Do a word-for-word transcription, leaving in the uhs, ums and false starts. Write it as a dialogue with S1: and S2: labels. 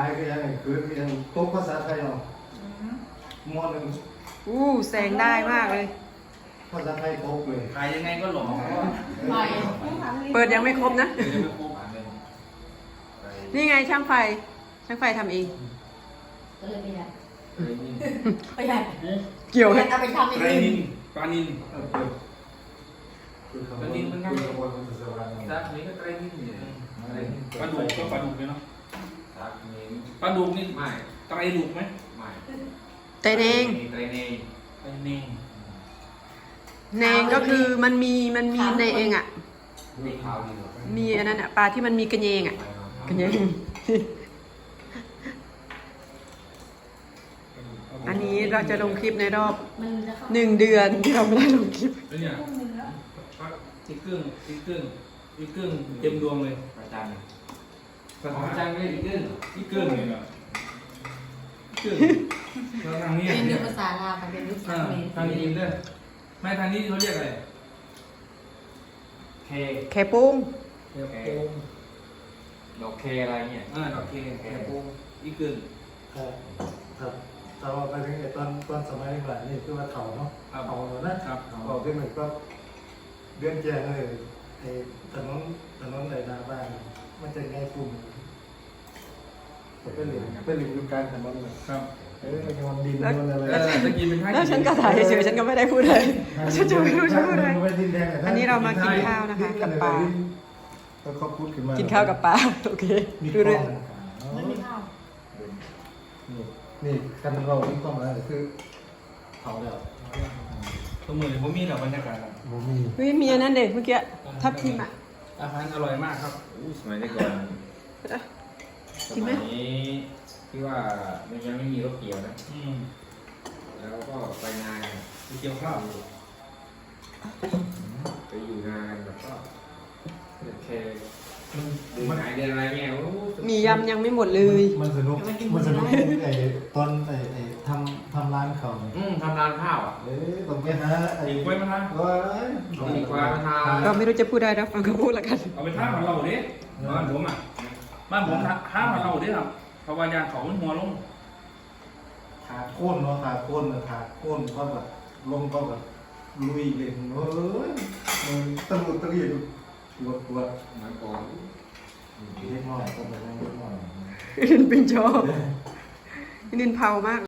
S1: ายก็ยังคือยังโต๊ะภาษาไทยเนาะมอหนึ่ง
S2: อู้แสงได้มากเลย
S1: ภาษาไทยโต๊ะเลย
S3: ขายยังไงก็หลอก
S4: ไป
S2: เปิดยังไม่ครบนะ
S3: ยังไม่ครบ
S2: นี่ไงช่างไฟ ช่างไฟทำเอง
S4: ก็เลยไม่ได้
S3: ไตรนิน
S4: ไม่ได้
S2: เกี่ยว
S4: ไม่
S2: ให้
S4: ได้เอาไปทำเอ
S3: ไตรง นินปลานิน
S1: เออเปิดคือคำว่าคือคำว่าภาษาไทย
S3: ซักนี้ก็ไตรนินเนี่ยไตรนิน
S5: ปลาดุกก็ปลาดุกเลยเนาะ
S3: ซักนี้
S5: ปลาดุกนี่
S3: ไม่
S5: ไตรดุกไหม
S3: ไม่
S2: แต่เนง
S3: ไตรเนย
S5: ไตรเนง
S2: เนงก็คือมันมีมันมีในเองอ่ะ
S3: มีขาวดีหรอ
S2: มีอันนั้นอ่ะปลาที่มันมีกระเยงอ่ะกระเยง อันนี้เราจะลงคลิปในรอบ
S4: มันจะเข้า
S2: หนึ่งเดือนที่เราไม่ได้ลงคลิป
S5: แล้วเนี่ย
S4: พวกนึงแล้ว
S5: ปลาอีกครึ่งอีกครึ่งอีกครึ่งเต็มดวงเลย
S3: ประจัน
S5: ภา
S3: ของ
S5: ษา
S3: จังเลยอีกขึ้น
S5: อีกครึ่งเลยเนาะอีกครึ่งแล้วทางนี้
S4: เป็น
S5: เนี่
S4: เรื่อย งภาษาลาวมันเป็นรูป
S5: อ่า
S4: เมน
S5: ทางนี้ด้วยไม่ทางนี้เขาเรียกอะไร
S3: เค
S2: แค่ปุ้ง
S5: เรียกโปง
S3: ดอกเคอะไรเนี่ย
S5: อ่าดอกเคแค่โปงอีกครึ่ง
S1: ครับครับแต่ว่าไปถึงไอ้ตอนตอนสมัยก่อนนี่คือว่าเขาเนาะเขาเนาะนะครับบอกขึ้นหนึ่งก็เดือนแจ้งเลยไอ้ถนนถนนไหนนาบ้านมันจะง่ายปุ่มเป็นหลิงเป็นหลิงอยู่กลางถนนเลย
S5: ครับ
S1: เออมันมันดินมันอะไร
S5: เออตะกี้เป็นท่า
S2: แล้วฉันก็ถ่ายเฉยๆฉันก็ไม่ได้พูดเลยฉันจะไม่รู้จะพูดอะไร อันนี้เรามากินข้าวนะคะกับปลา
S1: แล้วเขาพูดขึ้นมา
S2: กินข้าวกับปลาโอเค
S1: มี
S2: ดู
S1: กล้
S2: เรื่
S1: อ
S2: อง ง
S4: มันไม่เข้า
S1: นี่นี่กันเรามีกล้องแล้วคือเขาแล้ว
S5: ตัวมือผมมีแบบบรรยากาศอะ
S1: โมมี
S2: เฮ้ยมีอันนั้นเด็กเมื่อกี้ทับทิมอ่ะ
S5: อาหารอร่อยมากครับ
S3: อู้สมัยแต่ก่อนส
S2: กินไหม
S3: มัยนี้ที่ว่ามันยังไม่มีรถเกี่ยวนะ
S5: อืม
S3: แล้วก็ไปงาน
S5: ไปเกี่ยวข้าว
S3: ไปอยู่งานแบบก็โอเคเดือน
S1: มัน
S3: ไหนเดือนอะไรเนี่ยโอ้
S2: มียำยังไม่หมดเลย
S1: มันสนุกมันสนุกไอ้ตอนไอ้ไอ้ทำทำร้านเขา
S3: อืมทำร้านข้าวอ่ะ
S1: เอ้ยต้องไปหาไอ้
S5: ดีกว่าไหมครับ
S1: ว้าย
S3: ดีกว่ามาทาน
S2: เราไม่รู้จะพูดอะไรนะฟังเขาพูดละกัน
S5: เอาไปท่าของเราดิบ้านผมอ่ะบ้านผมท่าของเราดิครับเพราะว่ายานเขามันหัวลง
S1: ขาโค่นเนาะขาโค่นนะขาโค่นก็แบบลงก็แบบลุยเลยเฮ้ยมันตะลุตะลี่ปวดปวด
S3: เหมือนก่อน
S1: เล็กน้อยก็แบบเล็กน้อย
S2: นินปิงโชนินเผามาก